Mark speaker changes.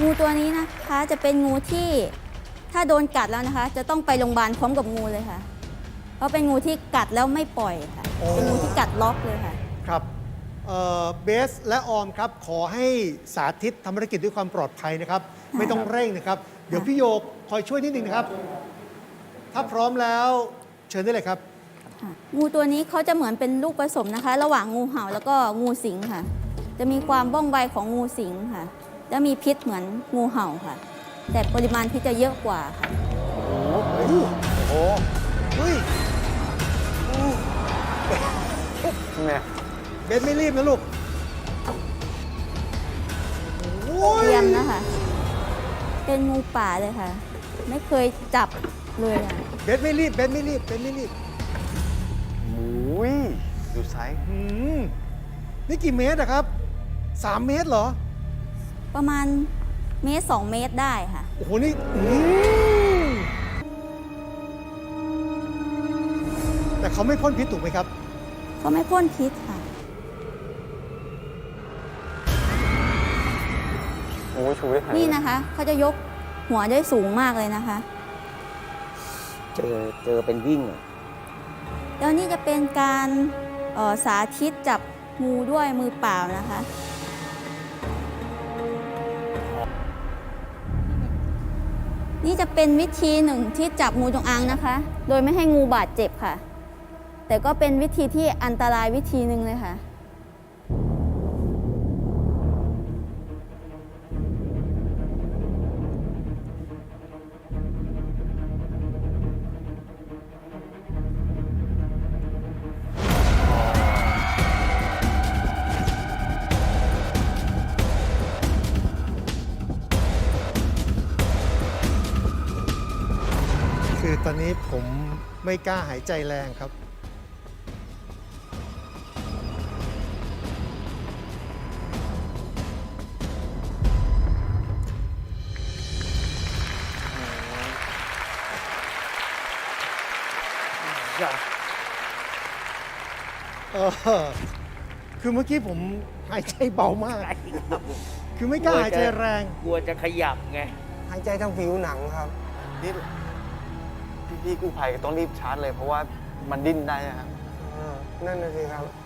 Speaker 1: งูตัวนี้นะคะจะเป็นงูที่ถ้าโดนกัดแล้วนะคะ จะต้องไปโรงพยาบาลพร้อมกับงูเลยค่ะ เพราะเป็นงูที่กัดแล้วไม่ปล่อยค่ะ
Speaker 2: โอ้
Speaker 1: เป็นงูที่กัดล็อกเลยค่ะ
Speaker 2: ครับเบสและออมครับ ขอให้สาธิตทำภารกิจด้วยความปลอดภัยนะครับ ไม่ต้องเร่งนะครับ เดี๋ยวพี่โยกคอยช่วยนิดนึงนะครับ ถ้าพร้อมแล้วเชิญได้เลยครับ
Speaker 1: งูตัวนี้เขาจะเหมือนเป็นลูกผสมนะคะ ระหว่างงูเห่าแล้วก็งูสิงค่ะ จะมีความว่องไวของงูสิงค่ะและมีพิษเหมือนงูเห่าค่ะ แต่ปริมาณพิษจะเยอะกว่าค่ะ
Speaker 3: โอ้
Speaker 2: เฮ้ย
Speaker 3: เนี่ย
Speaker 2: เบสไม่รีบนะลูกโอ้
Speaker 1: เตรียมนะคะ เป็นงูป่าเลยค่ะ ไม่เคยจับเลยค่ะ
Speaker 2: เบสไม่รีบ เบสไม่รีบ เบสไม่รีบ
Speaker 3: โอ้ยดูไซส์
Speaker 2: อืมนี่กี่เมตรอะครับ 3 เมตรเหรอ
Speaker 1: ประมาณเมตร2 เมตรได้ค่ะ
Speaker 2: โอ้โห นี่แต่เขาไม่พ่นพิษถูกไหมครับ
Speaker 1: เขาไม่พ่นพิษค่ะ
Speaker 3: โอ้ยชูได้ขนาด
Speaker 1: นี่นะคะ เขาจะยกหัวได้สูงมากเลยนะคะ
Speaker 4: เจอเป็นวิ่งอะ
Speaker 1: แล้วนี่จะเป็นการสาธิตจับงูด้วยมือเปล่านะคะ นี่จะเป็นวิธีหนึ่งที่จับงูจงอางนะคะ โดยไม่ให้งูบาดเจ็บค่ะ แต่ก็เป็นวิธีที่อันตรายวิธีหนึ่งเลยค่ะ
Speaker 2: คือตอนนี้ผมไม่กล้าหายใจแรงครับ เออคือเมื่อกี้ผมหายใจเบามาก คือไม่กล้าหายใจแรง
Speaker 4: กลัวจะขยับไง
Speaker 3: หายใจทางผิวหนังครับนี่พี่กู้ภัยต้องรีบชาร์จเลยเพราะว่ามันดิ้นได้นะครับ
Speaker 5: นั่นน่ะสิครับ